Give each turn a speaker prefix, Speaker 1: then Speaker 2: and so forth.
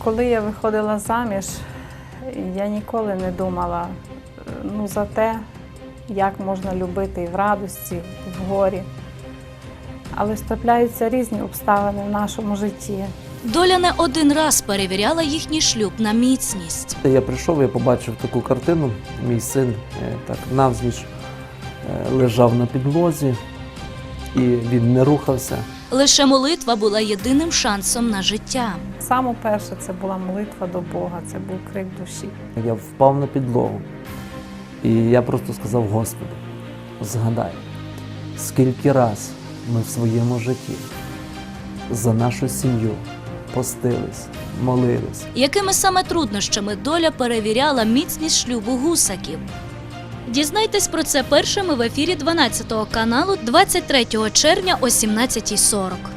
Speaker 1: Коли я виходила заміж, я ніколи не думала за те, як можна любити і в радості, і в горі. Але трапляються різні обставини в нашому житті.
Speaker 2: Доля не один раз перевіряла їхній шлюб на міцність.
Speaker 3: Я прийшов, я побачив таку картину. Мій син так навзніч лежав на підлозі, і він не рухався.
Speaker 2: Лише молитва була єдиним шансом на життя.
Speaker 1: Саме перше це була молитва до Бога, це був крик душі.
Speaker 3: Я впав на підлогу, і я просто сказав: Господи, згадай, скільки раз ми в своєму житті за нашу сім'ю постились, молились.
Speaker 2: Якими саме труднощами доля перевіряла міцність шлюбу Гусаків? Дізнайтесь про це першими в ефірі 12 каналу 23 червня о 17:40.